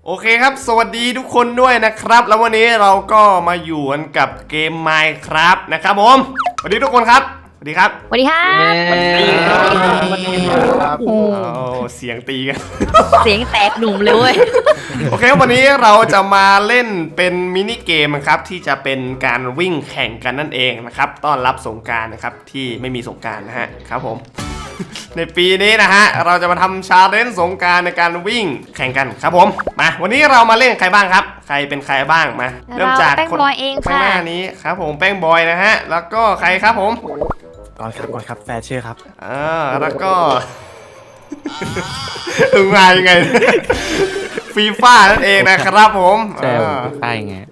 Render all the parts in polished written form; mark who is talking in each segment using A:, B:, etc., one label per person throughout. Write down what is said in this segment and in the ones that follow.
A: โอเคครับสวัสดีทุกคนด้วยนะครับแล้ววันนี้เราก็มาอยู่กันกับเกม Minecraft นะครับผมสวัสดีทุกคนครับสวัสดีครับ
B: สวัสดีครับ
C: สวัสดีครับ
A: เสียงตีกัน
B: เสียงแตกหนุ่มเลยเว้ย
A: โอเควันนี้เราจะมาเล่นเป็นมินิเกมครับที่จะเป็นการวิ่งแข่งกันนั่นเองนะครับต้อนรับสงกรานต์นะครับที่ไม่มีสงกรานต์นะฮะครับผม ในปีนี้นะฮะเราจะมาทำชาเลนจ์สงกรานต์ในการวิ่งแข่งกันครับผมมาวันนี้เรามาเล่นใครบ้างครับใครเป็นใครบ้างมาเริ่มจาก
B: แป้ง
A: คน
B: บอยเอง
A: ข้าง
B: ค่ะ
A: หน้านี้ครับผมแป้งบอยนะฮะแล้วก็ใครครับผม
C: ก่อนครับแฟร์เชื่อครับ
A: แล้วก็ มายังไง ฟีฟ่านั่นเองนะครับผม
C: ใช่ใช่ไง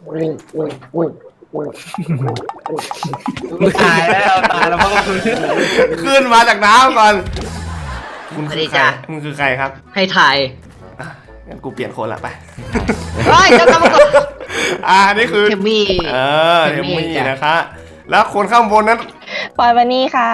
C: ตายแล้วพ่อคุณ
A: ขึ้นมาจากน้ำก่อนคุณคือใครคุณคือใครครับ
D: ให้ถ่าย
A: งั้นกูเปลี่ยนคนละไป
D: เฮ้ยเจ้ากรรมกร
A: นี่คือ
D: เทมมี่
A: เทมมี่นะคะแล้วคนข้างบนนั้น
E: ปอยวันนี้ค่ะ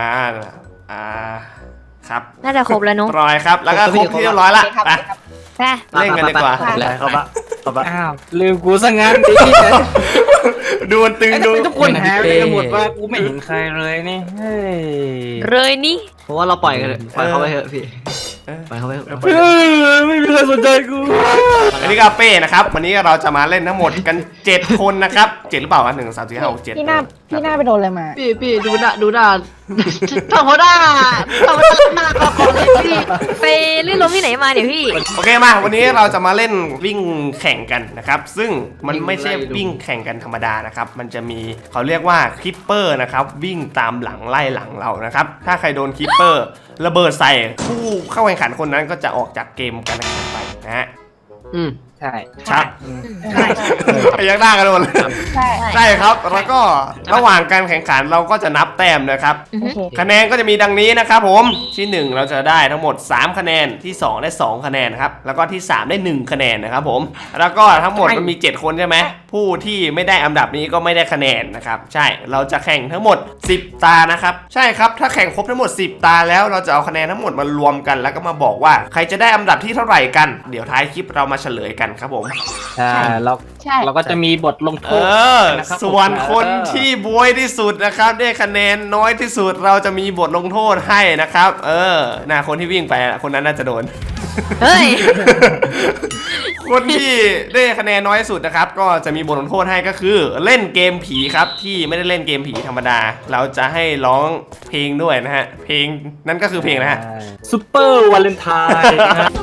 A: ครับ
B: น่าจะครบแล้วเนาะ
A: ร้อยครับแล้วก็ครบที่เรียบร้อยละไปเล่นกันดีกว่า
C: แล้วเขาปะอ้าวลืมกูซะงั้นดิ
A: ดูมันตึงดู
C: ทุกคนหายไปหมดว่ากูไม่เห็นใครเลยนี่เฮ้ย
B: เลยนี่
D: เพราะว่าเราปล่อยกันปล่อยเขาไปเถอะพี่ปล่อยเขาไปเถอะ
C: ไม่มีใครสนใจกู
A: อันนี้ก็เป้นะครับวันนี้เราจะมาเล่นทั้งหมดกัน7คนนะครับ7หรือเปล่า1 2 3 4 5 6 7
E: พี่หน้าไปโดนอะไรมา
D: พี่ดูหน้าทำเขาได้ทำหน้าก็ขอเลยพี่
B: ไปลื่นล้มที่ไหนมาเนี่ยพี่
A: โอเคมาวันนี้เราจะมาเล่นวิ่งแข่งกันนะครับซึ่งมันไม่ใช่วิ่งแข่งกันธรรมดานะครับมันจะมีเขาเรียกว่าคิปเปอร์นะครับวิ่งตามหลังไล่หลังเรานะครับถ้าใครโดนคิปเปอร์ระเบิดใส่ผู้เข้าแข่งขันคนนั้นก็จะออกจากเกมการแข่งขันไปนะฮะ
C: ใช่
A: ครับยังได้กันหมดเลยใช่ครับแล้วก็ระหว่างการแข่งขันเราก็จะนับแต้มนะครับคะแนนก็จะมีดังนี้นะครับผมที่1เราจะได้ทั้งหมด3คะแนนที่2ได้2คะแนนครับแล้วก็ที่3ได้1คะแนนนะครับผมแล้วก็ทั้งหมดมันมี7คนใช่ไหมผู้ที่ไม่ได้อันดับนี้ก็ไม่ได้คะแนนนะครับใช่เราจะแข่งทั้งหมด10ตานะครับใช่ครับถ้าแข่งครบทั้งหมด10ตาแล้วเราจะเอาคะแนนทั้งหมดมารวมกันแล้วก็มาบอกว่าใครจะได้อันดับที่เท่าไหร่กันเดี๋ยวท้ายคลิปเรามาเฉลยกันครับผม
C: ใช่เราก็จะมีบทลงโทษ
A: ส่วนคนที่บวยที่สุดนะครับได้คะแนนน้อยที่สุดเราจะมีบทลงโทษให้นะครับคนที่วิ่งไปคนนั้นน่าจะโดน
B: เฮ้ย
A: คนที่ได้คะแนนน้อยที่สุดนะครับก็จะมีบทลงโทษให้ก็คือเล่นเกมผีครับที่ไม่ได้เล่นเกมผีธรรมดาเราจะให้ร้องเพลงด้วยนะฮะเพลงนั่นก็คือเพลงนะฮะ
C: ซุปเปอร์วาเลนไทน์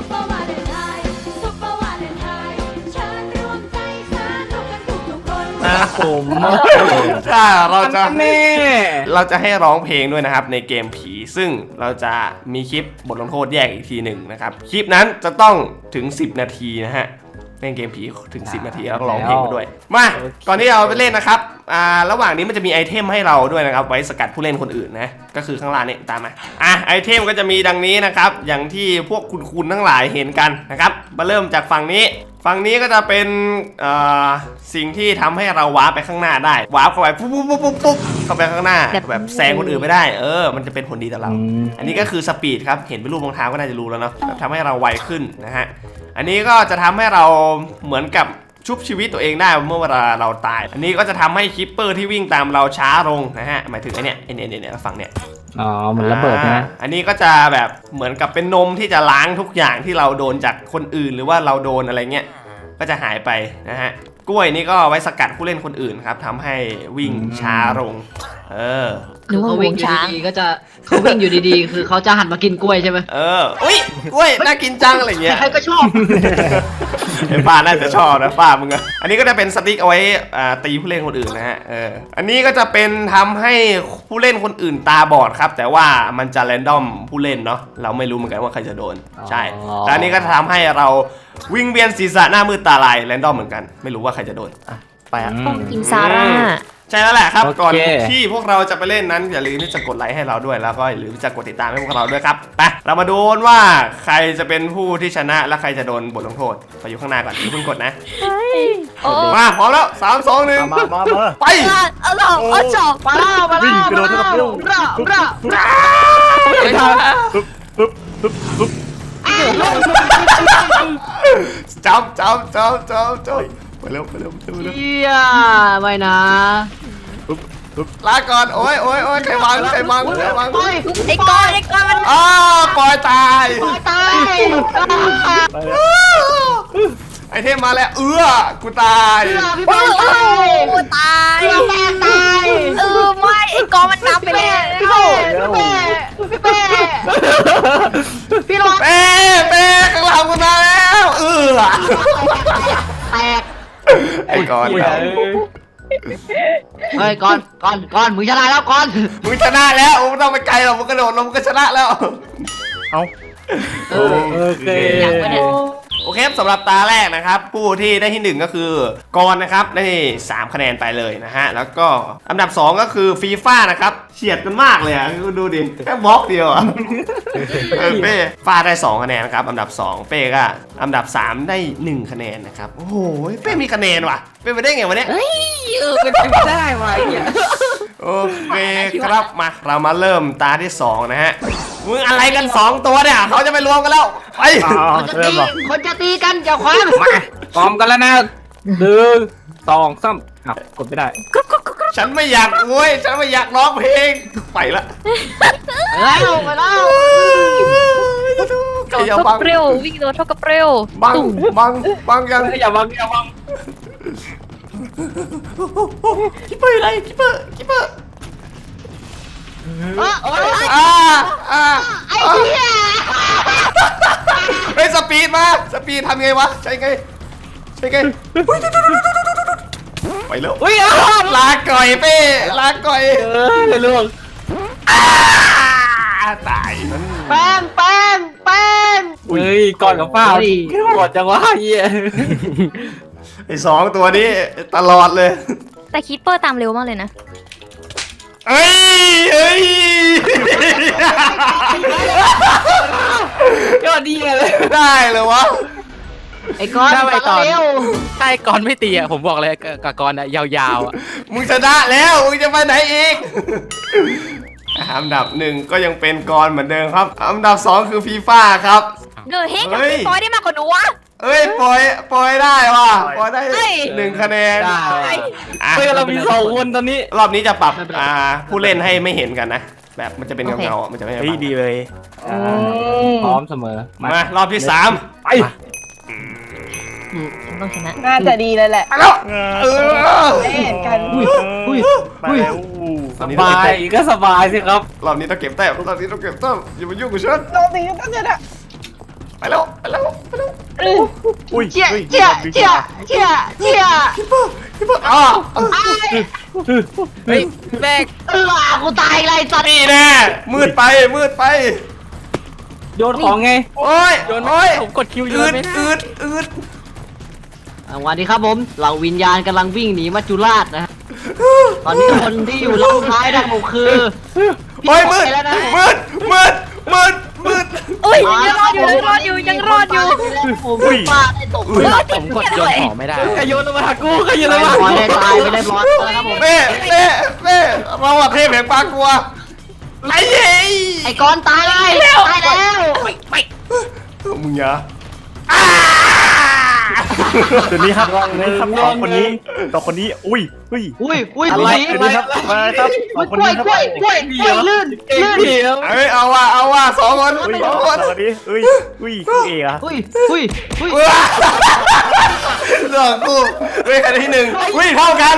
C: ผม
A: ถ้าเราจะให้ร้องเพลงด้วยนะครับในเกมผีซึ่งเราจะมีคลิปบทลงโทษแยกอีกทีหนึ่งนะครับคลิปนั้นจะต้องถึง10นาทีนะฮะเล่นเกมผีถึง10นาทีแล้วก็ร้องเพลงมาด้วยมาก่อนที่เราไปเล่นนะครับระหว่างนี้มันจะมีไอเทมให้เราด้วยนะครับไว้สกัดผู้เล่นคนอื่นนะก็คือข้างล่างนี่ตามมาไอเทมก็จะมีดังนี้นะครับอย่างที่พวกคุณทั้งหลายเห็นกันนะครับมาเริ่มจากฝั่งนี้ก็จะเป็นสิ่งที่ทำให้เราวาร์ปไปข้างหน้าได้วาร์ปเข้าไปปุ๊บเข้าไปข้างหน้าแบบแซงคนอื่นไม่ได้มันจะเป็นผลดีต่อเราอันนี้ก็คือสปีดครับเห็นเป็นรูปรองเท้าก็น่าจะรู้แล้วเนาะทำให้เราไวขึ้นนะฮะอันนี้ก็จะทำให้เราเหมือนกับชุบชีวิตตัวเองได้เมื่อเวลาเราตายอันนี้ก็จะทำให้คิปเปอร์ที่วิ่งตามเราช้าลงนะฮะหมายถึงไอ้เนี่ยฝั่งเนี่ย
C: เหมือนระเบิดนะ
A: อันนี้ก็จะแบบเหมือนกับเป็นนมที่จะล้างทุกอย่างที่เราโดนจากคนอื่นหรือว่าเราโดนอะไรเงี้ยก็จะหายไปนะฮะกล้วยนี่ก็ไว้สกัดผู้เล่นคนอื่นครับทำให้วิ่งช้าลง
D: เขาวิ่งอยู่ดีๆก็จะเขาวิ่งอยู่ดีๆคือเขาจะหันมากินกล้วยใช่ไหม
A: อุ้ยกล้วยน่ากินจังอะไรเงี้ย
D: ใครก็ชอบ
A: ไอ้ป้าน่าจะชอบนะป้ามึงอะอันนี้ก็จะเป็นสติ๊กเอาไว้ตีผู้เล่นคนอื่นนะฮะอันนี้ก็จะเป็นทำให้ผู้เล่นคนอื่นตาบอดครับแต่ว่ามันจะแรนดอมผู้เล่นเนาะเราไม่รู้เหมือนกันว่าใครจะโดนใช่แล้วอันนี้ก็ทำให้เราวิ่งเวียนศีรษะหน้ามืดตาลายแรนดอมเหมือนกันไม่รู้ว่าใครจะโดน
C: ไป
B: ต้องกินซาร่า
A: ใช่แล้วแหละครับก่อนที่พวกเราจะไปเล่นนั้นอย่าลืมที่จะกดไลค์ให้เราด้วยแล้วก็อย่าลืมจะกดติดตามให้พวกเราด้วยครับไปเรามาดูว่าใครจะเป็นผู้ที่ชนะและใครจะโดนบทลงโทษไปอยู่ข้างหน้าก่อนอย่าเพิ่งกดนะมาพร้อมแล้ว3 2 1ไป
D: เอาจบมาวิ่งกระโดดกับลูก
A: จับไปเร็ว
D: เฮียไม่นะ
A: ลาก่อนโอ้ยใครวาง
D: เฮ้ย
B: ไอ้ก้อนมัน
A: อ้าปล่อยตาย
D: ตาย
A: ไอเทมมาแล้วกูตาย
D: พี่แป้งตาย
B: โอ้ตาย
D: พี่แป้งตาย
B: ไม่ไอ้ก้อนมันนับไปแล้ว
D: พี่เป้พี่ระวัง
A: เป้ข้างหลังกูตายแล้ว
D: แตก
A: ไอ้ก่อน
D: เฮ้ยก่อนมึงชนะแล้วก่อน
A: มึงชนะแล้วมึงต้องไปไกลหรอกมึงกระโดดลงมึงก็ชนะแล้ว
C: โอเค
B: อย่างวะเนี่ย
A: โอเคสำหรับตาแรกนะครับผู้ที่ได้ที่1ก็คือกรนะครับได้3คะแนนไปเลยนะฮะแล้วก็อันดับ2ก็คือฟีฟ่านะครับเฉียดกันมากเลยอ่ะดูดิแค่บล็อกเดียวอ่ะเป้ฟ้าได้2คะแนนครับอันดับ2เป้ก็อันดับ3ได้1คะแนนนะครับโอ้โหเป้มีคะแนนว่ะเป้ไปได้ไงวะเนี่ย
B: เฮ้ย
C: เป็นไปไม่ได้ว่ะเนี่ย
A: โอเคครับมาเรามาเริ่มตาที่2นะฮะมึงอะไรกัน2ตัวเนี่ยเขาจะไปรวมกันแล้วไป
D: คนจะตีกันอย่าคว้า
C: มาพร้อมกันแล้วนะ1 2 3กดไม่ได้
A: ฉันไม่อยากโวยฉันไม่อยากร้องเพลงไปละ
D: แล้วไปแล้ว
A: ใครอย่า
B: เท่า
A: บั
B: กับ
A: ง
B: เปรี้ยววิ่งโดนเท่ากับเปรี้ยว
A: บังยัง
C: อย่าบัง
A: คิปเปอร์อะไรคิปเปอร์
D: ไอ้เหี้ย
A: เฮ้ยสปีดมาสปีดทำไงวะใช่ไงไปแล้ว
C: อุ้ย
A: ลาก่อยเป้ลาก่อย
C: เรื่อง
A: ตายนั่น
D: แป้ง
C: เฮ้ยก่อนกับป้าก่อนจังวะเหี้ย
A: ไอ้2ตัวนี้ตลอดเลย
B: แต่คิปเปอร์ตามเร็วมากเลยนะ
A: เฮ้ย
C: ยอดดีเลย
A: ได้เลยวะ
D: ไอ้ก้อนเร็ว
F: ใช่กรไม่ตีอ่ะผมบอกเลยกับกรอ่ะยาวๆอ่ะ
A: มึงชนะแล้วมึงจะไปไหนอีกอันดับ1ก็ยังเป็นกรเหมือนเดิมครับอันดับ2คือฟีฟ่าครับ
B: เดอะเฮกกับพี่ปอยได้มากกว่าหนูวะ
A: เอ้ยปล่อยได้ว่ะปล่อยได้
B: เฮ้ย
A: 1คะแนน
C: ได้
A: อ่ะ
C: เฮ้ยเรามี2คนตอนนี้
A: รอบนี้จะปรับผู้เล่นให้ไม่เห็นกันนะ แบบมันจะเป็นเงาๆมันจะไม่
F: เฮ้ยดีเลย
C: พร้อมเสมอ
A: มารอบที่3
C: ไป
B: ฉันต้องชนะ
E: น่าจะดีเลยแหละ
A: ไปแล้ว
E: ไม่เห็นกัน
F: ไปแล้ว
A: รอบนี้
C: ส
A: ต้อง
C: บา
A: เก็
C: ย
A: บแต้ม
C: ก็สบายสิครับ
A: รอบนี้ต้องเก็บแต้มอย่ามายุ่งกับฉัน
E: โดนตีก็เจออะ
A: ไปแล้ว
F: อุ้ย
D: เจี๊ย
A: คิปเปอร์อ๋อ
F: เฮ้ยแม่ง
D: กูตายไรสัตว์
A: นี่แน่มืดไป
C: โยนของไง
A: โอ้ย
F: โยน
A: โอ้ย
F: ผมกดคิวโย
A: อื
F: น
A: ด
F: ไม่ได้
A: อืด
D: สวัสดีครับผมเหล่าวิญญาณกำลังวิ่งหนีมัจจุราชนะตอนนี้คนที่อยู่ล่างท้ายนะผมคือ
A: โอ้ยมืด
B: โอ้ยยังรอดอยู่
D: ผมฟาดได้ตก
F: ผมกดโยนของไม่ได้
C: ใครโยนมาหากูใครโยน
D: ไม่
C: มา
D: พอได้ตายไปได้ร้อนนะครับผม
A: เป้เราอะเทพแห่งปลากลัวไรเย้
D: ไอ้ก้อนตายแล้ว
A: มึงอย่า
F: เดี๋ยวนี้ครับสองคนนี้อุ้ย
D: อุ้ย
C: อะไร
F: เดี๋ยวนี้ครับมาครับสองคนนี้ครับ
D: กล้วยลื่น
C: เก่งเดียว
A: เอ้ยเอาว่ะ2 คน
F: อุ้ย
A: 2 คน
F: สวัสดีอุ้ยเอ๋อะ
D: อุ้ย
A: เรื่องกูเฮ้ยใครได้ที่1อุ้ยเท่ากัน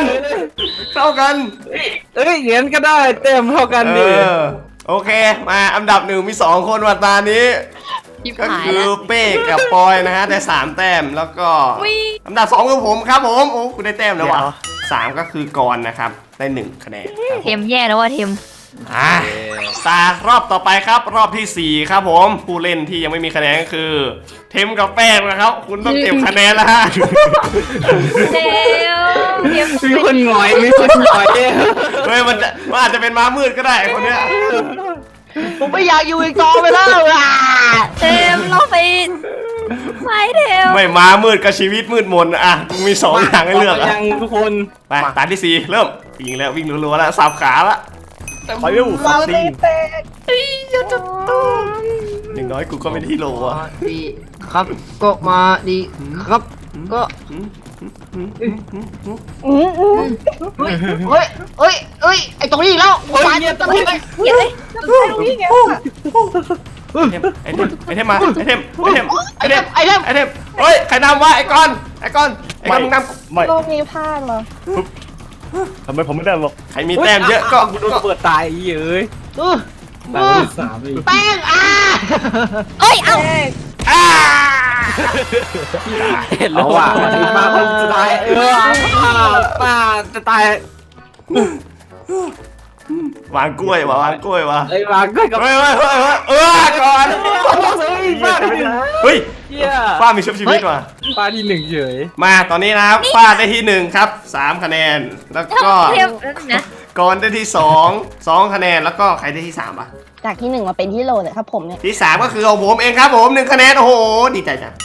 C: เอ้ยเหรียญก็ได้เต็มเท่ากันดิ
A: โอเคมาอันดับ1มี2 คนวันตานี้
B: ยิบ
A: ก็
B: หาย
A: คือ
B: แล้ว
A: เป้กับปอยนะฮะได้3 แต้มแล้วก็
B: อุ๊ย
A: อันดับ2คือผมครับผมโอ้คุณได้แต้มแล้ววะ3ก็คือกรนะครับได้1 คะแนนครับ
B: เทมแย่แล้วว่ะเทม
A: ตารอบต่อไปครับรอบที่4ครับผมผู้เล่นที่ยังไม่มีคะแนนก็คือเทมกับแป้งนะครับ คุณต้องเก็บคะแนนแล้วฮะ
B: เทม
C: มีคนหงอยมีคนหงอย
A: เฮ้ยมันอาจจะเป็นม้ามืดก็ได้คนเนี้ย
D: ผมไม่อยากอยู่อีกต่อไปแล้ว
B: เทมเราไปไม่เทม
A: ไม่ม้ามืดกับชีวิตมืดมนอ่ะมี2 อย่างให้เลือกอ่ะ
C: ยังทุกคน
A: ไปตาที่4เริ่มวิ่งรัวๆแล้วสับขาละ
F: ไปเร็ว
E: เราตีแตก
A: อย่าจะต้อย่างน้อยกูก็ไม่ได้ที่โหลอ่ะ
D: ดีครับก็มาดีครับก็ เฮ้ยไอตรงนี้อีกแล้ววานตรงนี้
B: เดี๋ยวเลย
E: ตรงนี้ไง
A: ไอเทมมาไอเทมเทมเฮ้ยใครนำวะไอกอนมึงนำ
F: ไม่
E: โลกนี้พลาดเหรอ
F: ทำไมผมไม่ได้หรอก
A: ใครมีแต้มเยอะก็
C: กูโดนเปิดตายไอ้เอ้ยตายที่3อีก
D: แป้ง
B: เอ้ยเอ้า
A: อ่า
C: เห็นแล้วว่ามาคนจะตายป้าจะตายว
A: างกล้วยวางกล้วยวะ
C: ไอ้วางก็กับ
A: เฮ้ยก่อนเฮ้ย
C: เหี้ย
A: ฟ้ามีชุบชีวิตว่ะ
C: ป้าที่1เฉย
A: มาตอนนี้นะครับฟ้าได้ที่1ครับ3คะแนนแล้วก็
B: เทียบนะ
A: ก่อนได้ที่2คะแนนแล้วก็ใครได้ที่3อ่ะ
E: จากที่ 1 มาเป็นที่โลเนี่ยครับผมเนี่ย
A: ที่3ก็คือของผมเองครับผม1คะแนนโอ้โหดีใจจัง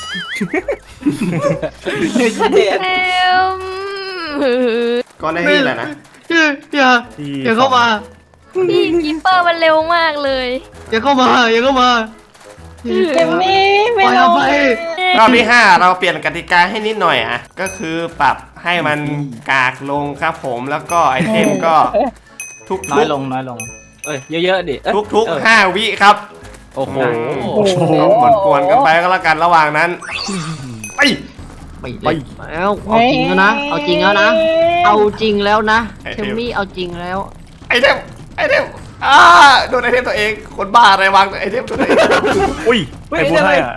B: เต็ม
A: ก่อนได้ที่อะไรนะ
D: อย่าเข้ามา
B: พี่กิปเปอร์มันเร็วมากเลย
D: อย่าเข้ามา
E: เจมมี่ไม่ลง
A: รอบที่5เราเปลี่ยนกติกาให้นิดหน่อยอ่ะก็คือปรับให้มันกากลงครับผมแล้วก็ไอเทมก็ทุก
C: น้อยลงเอ้ยเยอะๆดิ
A: ทุก5วิครับ
C: โอ้โห
A: กวนกันไปก็แล้วกันระหว่างนั้นไป
D: ไปแล้วเอาจริงแล้วนะ เอาจริงแล้วนะ เอาจริงแล้วนะเทมมี่เอาจริงแล้ว
A: ไอเทมโดนไอเทมตัวเองคนบ้าอะไรวางไอเทมตัวเอง
F: อุ้ยใครพูดให้อ่ะ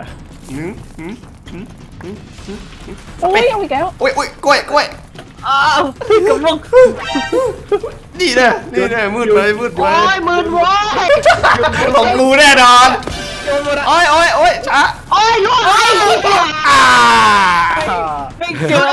E: อุ้ยเอาอีกแล้ว
A: อุ้ยกล้วย
C: อ้าวกับลง
A: นี่นะมืดไป
D: โอ้ยมืดโว้ย
A: ของกูแน่นอนโอ้ยช้า
D: โอ้ยล่วง
A: อ่า
C: ไม่เจอ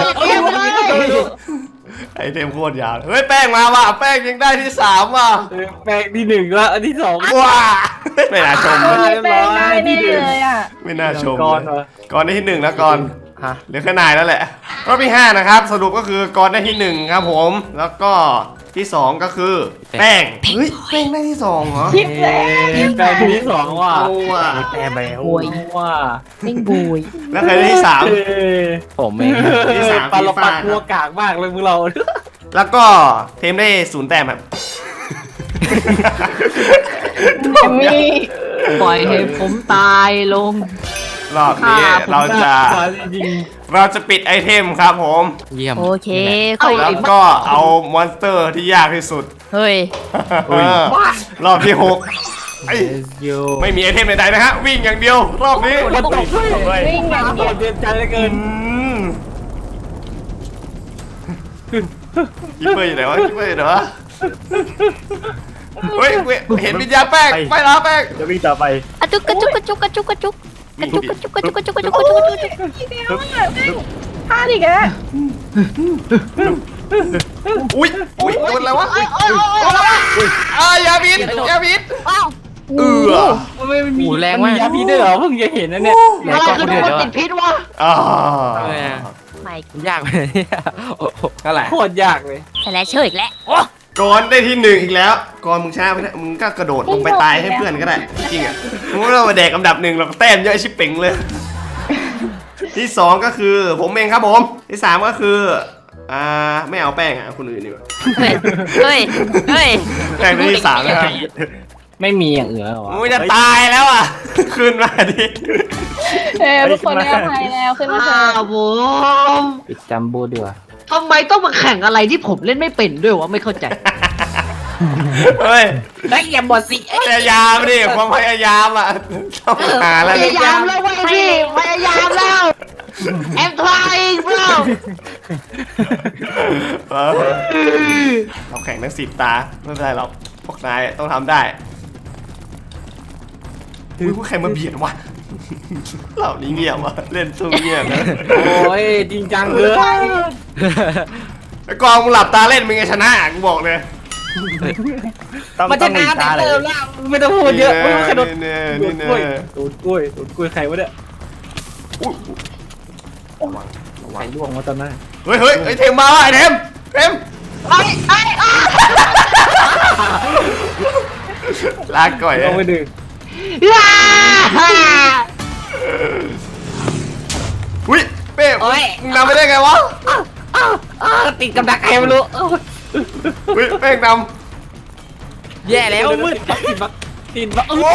A: ไอเทมโคตรยาวเฮ้ยแป้งมาว่ะแป้งยังได้ที่3ว่ะ
C: แปลงที่1แล้วอันที่2
A: ว้าไม่น่าชมเลย
E: แป้งได้แน่เลยอ่ะ
A: ไม่น่าชม
C: ก่อน
A: ก่อนได้ที่1แล้วก่อน
F: ฮะ
A: เหลือแค่นายแล้วแหละรอบที่5นะครับสรุปก็คือก่อนได้ที่1ครับผมแล้วก็ที่2ก็คือแป้งเฮ้ยแป้งได้ที่2เหรอ
E: คิดแล้ว
C: แปลงที่2ว่ะ
A: โอ้ว่ะ
F: แต้มไปแล้ว
C: ว่า
E: ไม่บุย
A: แล้วใครได้ที่
C: ผมเอง
A: ที่สาม
C: ปลาเรา
A: ฟีฟ่า
C: ปัดหัวกากมากเลยพวกเรา
A: 3แล้วก็เทมได้0แต้มครับ
E: เจมมี่
D: ปล่อยให้ผมตายลง
A: รอบนี้เราจะปิดไอเทมครับผม
C: เยี่ยม
B: โอเค
A: แล้วก็เอามอนสเตอร์ที่ยากที่สุด
B: เฮ้ย
A: รอบที่6ไม่มีไอเทมใดๆนะฮะวิ่งอย่างเดียวรอบนี้
C: มันตกด้วย
E: วิ่งอย่างเดียว
C: เดือดใจเหลือเกิน
A: คิปเปอร์อยู่ไหนวะคิปเปอร์อยู่ไหนวะเฮ้ยเห็นวิญญาณแป้งไปแล้วแป้ง
F: จะวิ่งต่อไป
B: อะจุกกระจุกกระจุกกระจุกกระจุกกระจุกกระจุกกระจุกกระจุกกระจุกกระจุกกระจุก
E: อีกแล้วอ่ะพลาดอีกแล้ว
A: อุ้ยโดนอะไรวะอย่าบิด
B: ว้าว
C: มันไม่มีแรงมากยาพิษด้วยเหรอเพิ่งจะเห็นนะเนี่ย
D: อะไรคือคนติดพิษวะ
B: ไม่
C: ยากเลยอะไรโคตรยากเลย
B: แต่แล้วเชื่ออีกแล้ว
A: ก่อนได้ที่1อีกแล้วก่อนมึงช้าไปนะมึงก็กระโดดลงไปตายให้เพื่อนก็ได้จริงอ่ะมึงไม่ต้องมาแดกอันดับ1หรอกแต้มเยอะชิบเป่งเลยที่2ก็คือผมเองครับผมที่3ก็คือไม่เอาแป้งอ่ะคนอื่นดีกว่า
B: เฮ้ย
A: แป้งได้ที่3นะครับ
C: ไม่มีอย่างอื่นหรอ
A: มึงจะตายแล้วอ่ะขึ้นมาดิ
E: ทุกคนได้อภัยแล้วขึ้นมาเถอะ
D: ผม
C: ปิดจัมโบ้ดีกว่า
D: ทำไมต้องมาแข่งอะไรที่ผมเล่นไม่เป็นด้วยวะไม่เข้าใจ
A: เฮ้ย
C: ได้อย่าหมดสิ
A: พยายามดิความพยายามอ่ะต้องหาแล้ว
D: พยายามแล้วเว้ยพี่พยายามแล้ว I'm trying bro
A: เราแข่งทั้ง10 ตาไม่เป็นไรหรอกพวกนายต้องทำได้อุ้ยพวกใครมาเบียดวะเหล่านี้เงียบวะเล่นสู้เงียบนะ
C: โอ้ยจริงจังเลย
A: ไอ้กองมึงหลับตาเล่นมึงจะชนะกูบอกเลย
C: มันจะนานแต่เติมแล้วไม่ต้องพูดเยอะไม่ต้องกระโดด
A: นี่
C: ดูด
A: นี่
C: กล้วยดูดกล้วยใครวะเนี่ย
A: อุ้ย
C: ใครล่วงมาตอนนั้น
A: เฮ้ยไอ้เทมมาไอ้เทมลากก่อย
C: ลงไปดึง
A: อุ้ยเป้
C: โอ้ย
A: มึงนำไปได้ไงวะ
C: ติดกับดักใครไม่รู้
A: อุ้ยเป้งน
C: แย่แล้วมืดติดบัก
A: ำ
C: โอ้
A: โอ้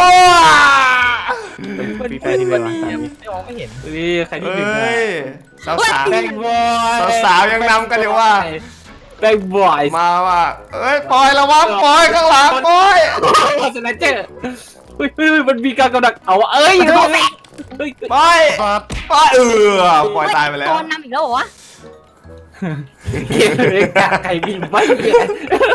F: ปีแปรที่เรียนมา
C: ไม่มองไม่เห็นใครที่
A: เฮ้
C: หนึ่ง
A: ยสาวสาว
C: แบงบอย
A: สาวๆยังนำกันอยู่ว่า
C: แบงบอย
A: มาว่ะเอ้ยปล่อยระวังปล่อยข้างหลังปล่อย
C: สไนเจอร์เฮ้ยมันมีการกำดักเอาเอ้ยเฮ้ย
A: ปล่อยปล่อยปล่อยตายไปแล้ว
B: โดนนำอีกแล้วเหรอวะ
C: ไก่บินไม่เหี้ย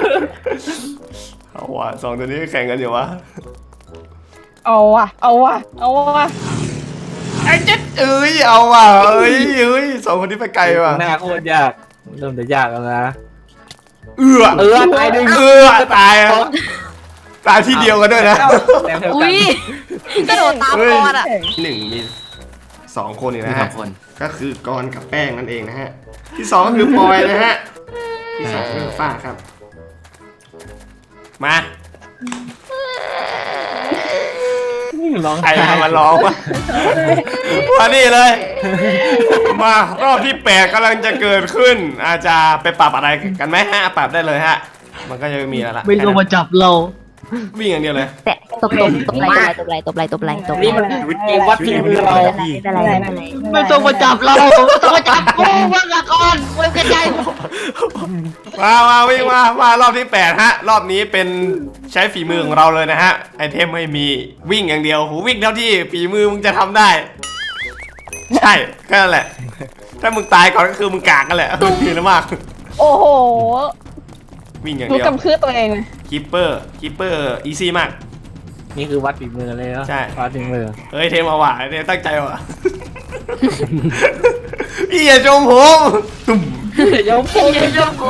A: เอาว่ะสองตัวนี้แข่งกันอยู่วะ
E: เอาว่ะเอาว่ะเอาว่ะ
A: ไอ้เจ็ดเอ้ยเอาว่ะเอ้ยสองคนนี้ไปไกลว่ะ
C: หน้าโคตรยากเริ่มจะยากแล้วนะ
A: ตายหนึ่งตายอะตายที่เดียวกันด้วยนะ
B: อุ้ยกระโดดตามกอนอ่ะ
A: หนึ่งมีสองคนอีกนะฮะก็คือกรกับแป้งนั่นเองนะฮะที่สองก็คือปอยนะฮะที่สามคือฝ้าครับมาใครทำมาร้องวะมานี่เลย มารอบที่8กำลังจะเกิดขึ้น อาจจะไปปรับอะไรกันไหมฮะปรับได้เลยฮะ มันก็จะไม่มีแล้วล่ะ
D: ไม่ต้องมาจับเรา
A: วิ่งอย่างเดียวเลย
B: แต่ตบไหลตบไหล
C: นี่มันเกมวัดฝีมือเรา
D: ไม่ต้องมาจับเราไม่ต้องมาจับกูว่างก่อนเว้ยกระจาย
A: มาวิ่งมารอบที่8ฮะรอบนี้เป็นใช้ฝีมือของเราเลยนะฮะไอเทมไม่มีวิ่งอย่างเดียวหูวิ่งเท่าที่ฝีมือมึงจะทำได้ ใช่แค่นั้นแหละ ถ้ามึงตายก่อนก็คือมึงกากกันแหละมีนะมาก
E: โอ้โห
A: วิ่งอย่าง
E: รู้
A: เดียว
E: กำพืชตัวเองเลย
A: คีปเปอร์อีซี่มาก
C: นี่คือวัดฝีมือเลยเนาะ
A: ใช่
C: วัดฝีมือ
A: เฮ้ยเทมเอาว่ะเนี่ยตั้งใจว่ะ พี่อย่าชมผมตุ่ม
C: ยกผมยกผม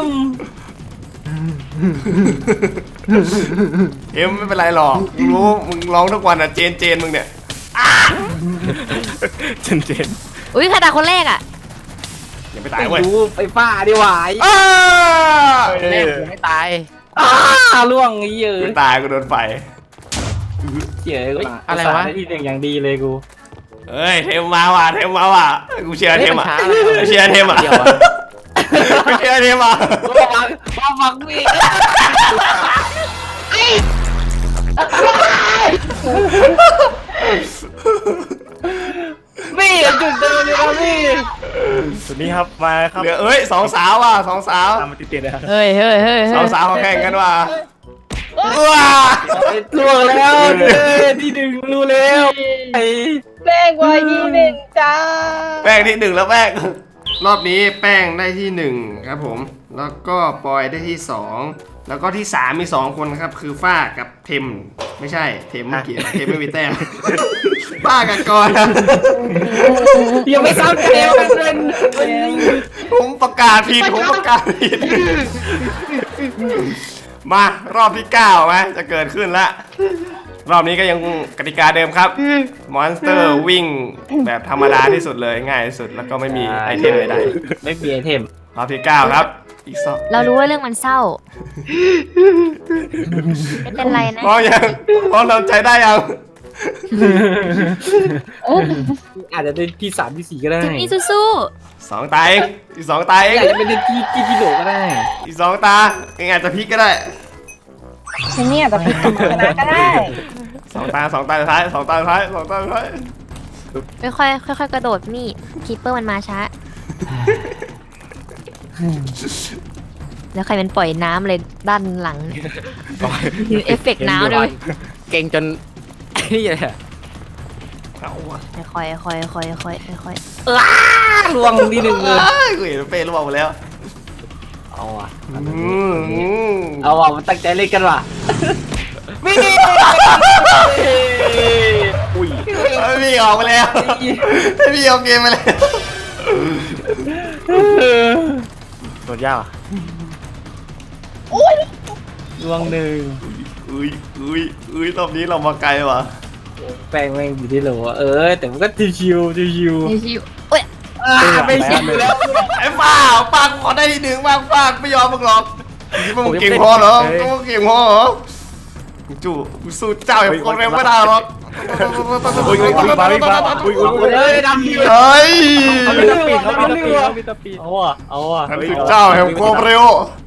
A: เอ็มไม่เป็นไรหรอกรู้มึงร้องทุกวันอ่ะเจนมึงเนี่ย
F: เจน
B: อุ้ยใครตายคนแรกอ่ะ
A: อย่าไปตายเว้ย
C: ดูไปฟ้าดีกว่า
A: อ้า
C: แม่ผมไม่ตายล่วงเยอะ
A: ไม่ตายกูโดนไฟ
C: เยอะอะไรวะที่หนึ่งอย่างดีเลยกู
A: เฮ้ยเทมมาว่ะกูเชียร์เทมอ่ะกูเชียร์เทมอ่ะกูเชียร์เทมอ่ะ
C: มาฟังพี่พี่จุดเดิมเลยครับพี่
F: สุดนี้ครับมาครับ
A: เหลือเอ้ยสองสาวว่ะสองสาว
F: ตามมาติดๆเลยครับ
B: เฮ้ย
A: สองสาวเขาแข่งกันว่ะว้า
C: ล่วงแล้วที่หนึ่งรู้แล้วไอ้
E: แป้งไว้ที่หนึ่งจ้า
A: แป้งที่1แล้วแป้งรอบนี้แป้งได้ที่1ครับผมแล้วก็ปอยได้ที่2แล้วก็ที่3มี2คนครับคือฝ้ากับเทมไม่ใช่เทมไม่เกี่ยวเทมไม่มีแต้ม ฝ้ากับกร
C: ยังไม่ซ้ำเกมกันเลย
A: ผมประกาศผิดมารอบที่9ไหมจะเกิดขึ้นละรอบนี้ก็ยังกติกาเดิมครับมอนสเตอร์วิ่งแบบธรรมดาที่สุดเลยง่ายที่สุดแล้วก็ไม่มีไอเทมใด
C: ไม่มีไอเทม
A: ๆรอบที่9ครับอีก2
B: เรารู้ว่าเรื่องมันเศร้า ไม่เป็นไรนะ
A: พอเราใจได้ยัง
C: อาจจะเป็นที่3ที่4ก็ได้
B: จุดนี้สู้
A: 2 ตาเองอีก2 ตาเอง
C: อาจจะเป็นที่พี่โหลก็ได้
A: อีก2 ตาเองอาจจะพลิกก็ได้
E: ฉันเนี่ยจะพิจารณาก็ได้
A: 2 ตาสุดท้าย2 ตาสุดท้าย2 ตาสุดท้าย
B: ๆค่อยๆกระโดดนี่คีปเปอร์มันมาช้า แล้วใครมันปล่อยน้ำเลยด้านหลังเนี่ยเอฟเฟกต์น้ำเลย
C: เก่งจนนี่เลย
A: เอาวะ
B: ค่อยๆ
C: ล่วงที่หนึ่งเลย
A: กูเห็นเป้รู้มาแล้ว
C: เอาอ่ะ
A: อืม
C: เอาอ่ะมันตั้งใจเล่นกันว่ะวิ่ง
F: อุ้ย
A: พี่ออกมาแล้วพี่ออกเกมมาแล้ว
F: โดนยากอ่ะ
C: ล่วงหนึ่ง
A: อุ้ยรอบนี้เรามาไกลว่ะ
C: แป้งแม่งอยู่ที่โหลแต่มันก็ชิว
B: ชิวๆเอ้ย
C: ไม่ชิวแล้ว
A: ไอ้ฝ้าปังขอได้ที่1บ้างฝ้าไม่ยอมมึงหรอกมึงเก่งพอเหรอมึงเก่งพอเหรอจู่สู้เจ้าอย่างโคตรเร็วไม่ได้หรอก
F: อุ้ยมาอุ้ย
C: เฮ้ยดำดี
A: เฮ้ย
F: เขามีตะปีดเขามีตะปีดเอาอ่ะ
A: ฉันคือเจ้าแห่งความเร็ว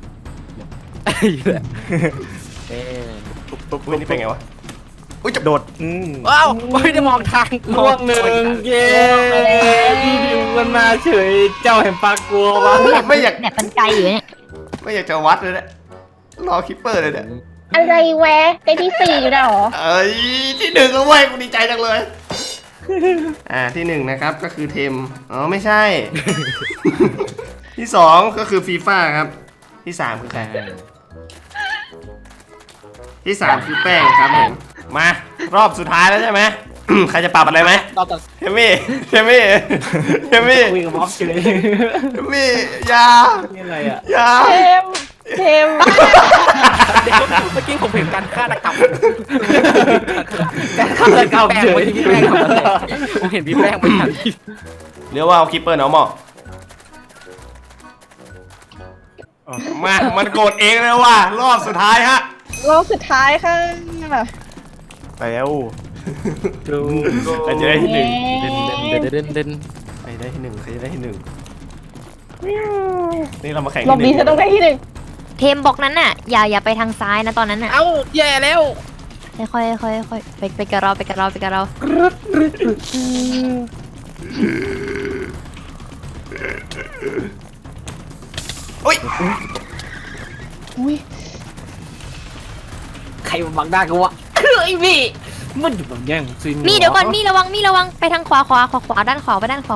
F: ตุ๊บ
A: อุ้ยนี่เป็นไงวะอุ้ยจะ
F: โดด
C: ว้าวไม่ได้มองทางล่วงหนึ่งเย้พี่ดิวมันมาเฉยเจ้าแห่งปากกลัววะ
A: ไม่อยาก
B: เนี่ยมันไกลอยู่เนี่ย
A: ไม่อยากจะวัดเลยเนี่ยรอคิปเปอร์เลยเนี่ย
E: อะไรแวะได้ที่ 4อยู่แล้วเหรอ
A: เอ้ยที่หนึ่งก็เว้ยกูดีใจจังเลยที่หนึ่งนะครับก็คือเทมอ๋อไม่ใช่ ที่สองก็คือฟีฟ่าครับที่สามคือใครที่สามคือแป้งครับผมมารอบสุดท้ายแล้วใช่ไหม ใครจะปรับอะไรไหม
C: ต่อต่อ
A: เฮมี่เฮมี่เฮมี่
C: คุยกับม็อบเฉย
A: เฮมี่อยา
C: นี่อะไรอ่ะ
A: อยา
E: เทม
F: เมื่อกี้ผมเห็นการฆาตกรรม
C: การฆาตกรรมเฉย
F: พี่แป้งผมเห็นพี่แป้งไปทัน
A: เรียกว่าเอาคิปเปอร์เนาะหมอมามันโกรธเองเลยว่ะรอบสุดท้ายฮะ
E: รอบสุดท้ายค่ะ
F: แล้ว
A: ใครจะได้ที่หนึ่ง
F: เด่น
A: ใครได้ที่หนึ่งใครจะได้ที่หนึ่งนี่เรามาแข่ง
E: รอบ
A: ที่ห
E: นี้
A: นึ่ง
E: จะต้องได้ที่
B: เทมบอกนั้นน่ะอย่าไปทางซ้ายนะตอนนั้นน่ะ
C: เอ้าแย่แล้ว
B: ค่อยไปกับเราไปกับเรา
A: อุ้ย
E: อุ้ย
C: ใครมาบังหน้ากูวะคือไอ้พี่มันอยู่แบบแย่งซิน
B: มีเดี๋ยวก่อนมีระวังไปทางขวาด้านขวาไปด้านขวา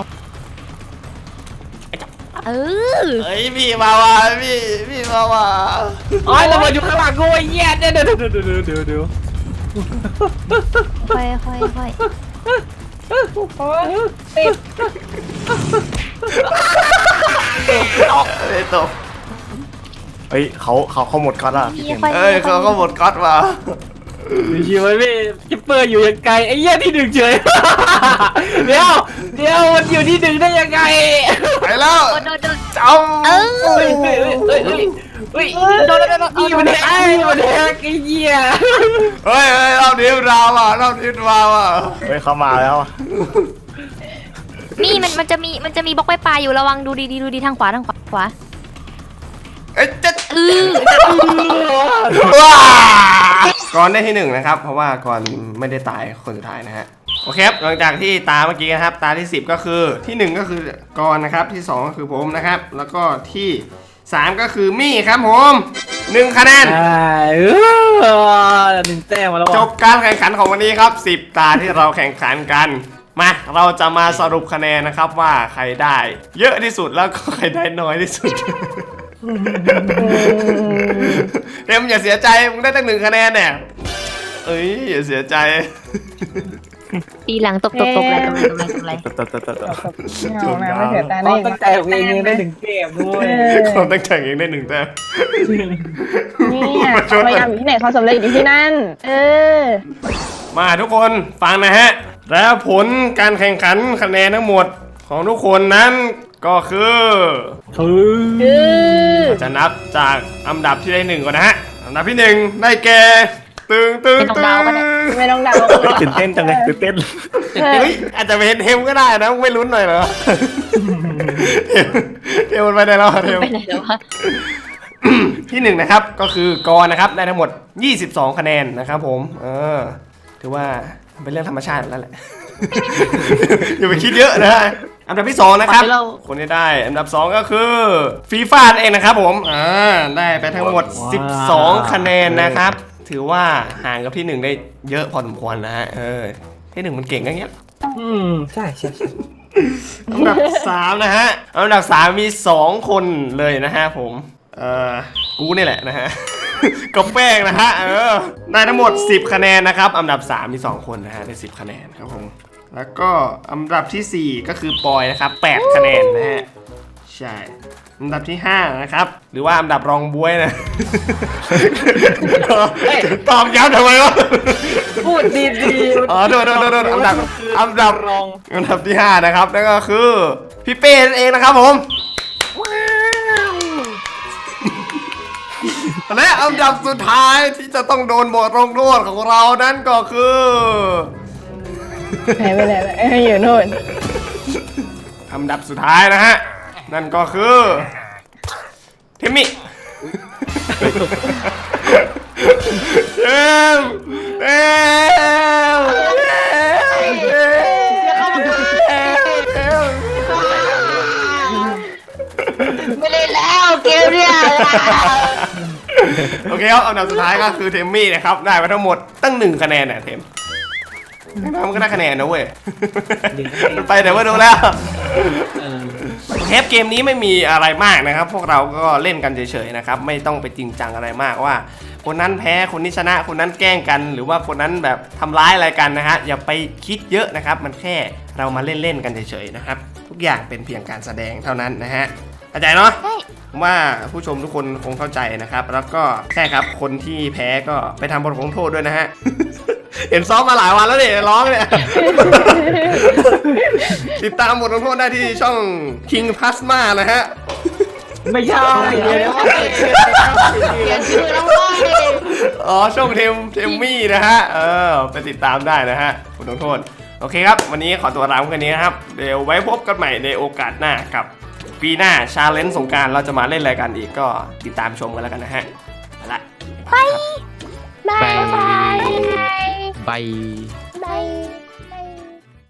B: เออ
A: เฮ้ยพี่มาว่ะพี่มาว่ะ
C: อ๋อเรามาอยู่ข้างหลังกูไอ้แย่เดี๋ยว
B: ค่อย
E: โอ้ยติด
A: เอ้ยตก
F: เฮ้ยเขาหมดก่อนละ
A: เอ้ยเขาก็หมดก๊อตมา
C: มีชีวิตพี่คิปเปอร์อยู่ยังไงไอ้แย่ที่หนึ่งเฉยเดี๋ยวมันอยู่ที่หนึ่งได้ยังไง
A: ไปแล้ว
B: โดน
A: จำ
B: เออ
C: เฮ้ยโดนอีมันแทงไอ้เหี้ย
A: เฮ้ยรอบนี้ราวอ่ะรอบนี้ราวอ่ะ
F: เฮ้ยเขามาแล้ว
B: นี่มันจะมีบล็อกปลายอยู่ระวังดูดีทางขวา
A: เอ้ยจะ
B: เออ
A: ว้าก่อนได้ที่หนึ่งนะครับเพราะว่าก่อนไม่ได้ตายคนสุดท้ายนะฮะโอเคครับหลังจากที่ตาเมื่อกี้นะครับตาที่10ก็คือที่1ก็คือกอนนะครับที่2ก็คือผมนะครับแล้วก็ที่3ก็คือมี่ครับผม1คะแนน
C: หนึ่งแต้มมาแล้ว
A: จบการแข่งขันของวันนี้ครับ10ตาที่เราแข่งขันกันมาเราจะมาสรุปคะแนนนะครับว่าใครได้เยอะที่สุดแล้วก็ใครได้น้อยที่สุด เอ็มอย่าเสียใจมึงได้ตั้ง1คะแนนเนี่ยเอ้ยอย่าเสียใจ
B: ตีหลังตบอะไร
E: ไม่เอานะไม่เสียตา
C: เรา
E: ได้
C: ตั้งใจของเองได้หนึ่งแต้มด้วย
A: ความตั้งใจเองได้1แต้ม
E: เนี่ยพยายามอยู่ที่ไหนเขาสำเร็จอยู่ที่นั่น
A: มาทุกคนฟังนะฮะแล้วผลการแข่งขันคะแนนทั้งหมดของทุกคนนั้นก็คือจะนับจากอันดับที่ได้1ก่อนนะฮะอันดับที่1ได้แก่ตึง
E: ไม่ต้องเดา
F: ตื่นเต้นจังเลยตื่นเต้น
A: เฮ้ยอาจจะเป็นเทมก็ได้นะไม่ลุ้นหน่อยเหรอ เทมมันไปไหนแล้วเทม
B: ไปไหนแล้ววะ
A: ที่1นะครับก็คือกรนะครับได้ทั้งหมด22คะแนนนะครับผมถือว่าเป็นเรื่องธรรมชาติแล้วแหละ อย่าไปคิดเยอะนะฮะอันดับที่2นะครับคนที่ได้อันดับ2ก็คือฟีฟ่าเองนะครับผมได้ไปทั้งหมด12คะแนนนะครับถือว่าห่างกับที่1ได้เยอะพอสมควรนะฮะที่1มันเก่งอย่างเงี้ย
C: ใช่
A: อันดับ3นะฮะอันดับ3มี2คนเลยนะฮะผมกูนี่แหละนะฮะ กับแป้งนะฮะได้ทั้งหมด10คะแนนนะครับอันดับ3มี2คนนะฮะได้10คะแนนครับผมแล้วก็อันดับที่4ก็คือปอยนะครับ8คะแนนนะฮะใช่อันดับที่5นะครับหรือว่าอันดับรองบวยนะ ตอบย้ำทำไมวะ
C: พูดดีๆ
A: โดนอันดับ
C: รอง
A: อันดับที่5นะครับนั่นก็คือพี่เป้นั่นเองนะครับผมและอันดับสุดท้ายที่จะต้องโดนบทลงโทษของเรานั้นก็คือ
E: หายไปไหนแล้วอยู่โน่น
A: อันดับสุดท้ายนะฮะ นั่นก็คือเทมมี่เทม
D: ไม่เล่นแล้วเกมเนี่ย
A: โอเคครับอันดับสุดท้ายก็คือเทมมี่นะครับได้ไปทั้งหมดตั้ง1 คะแนนเนี่ยเทมมันก็ได้คะแนนนะเว้ยมันไปแต่ว่าดูแล้วเทปเกมนี้ไม่มีอะไรมากนะครับ พวกเราก็เล่นกันเฉยๆนะครับไม่ต้องไปจริงจังอะไรมากว่า คนนั้นแพ้คนนี้ชนะคนนั้นแกล้งกัน หรือว่าคนนั้นแบบทำร้ายอะไรกันนะฮะอย่าไปคิดเยอะนะครับ มันแค่เรามาเล่นๆกันเฉยๆนะครับทุกอย่างเป็นเพียงการแสดงเท่านั้นนะฮะเข้าใจเนาะ
B: ใช่
A: ผมว่าผู้ชมทุกคนคงเข้าใจนะครับ แล้วก็แค่ครับคนที่แพ้ก็ไปทำบทลงโทษด้วยนะฮะ เห็นซ้อมมาหลายวันแล้วเนี่ยร้องเนี่ย ติดตามบทลงโทษได้ที่ช่อง King Plasma นะฮะ
C: ไม่ใช่เดี๋ยว
D: เปลี่ยนชื่อแล้วเว้ย
A: อ๋อช่องเทมมี่นะฮะไปติดตามได้นะฮะบทลงโทษโอเคครับวันนี้ขอตัวลาไปแค่นี้นะครับเดี๋ยวไว้พบกันใหม่ในโอกาสหน้ากับปีหน้าชาเลนจ์สงกรานต์เราจะมาเล่นอะไรกันอีกก็ติดตามชมกันแล้วกันนะฮะไปละ
B: บายบาย
G: บาย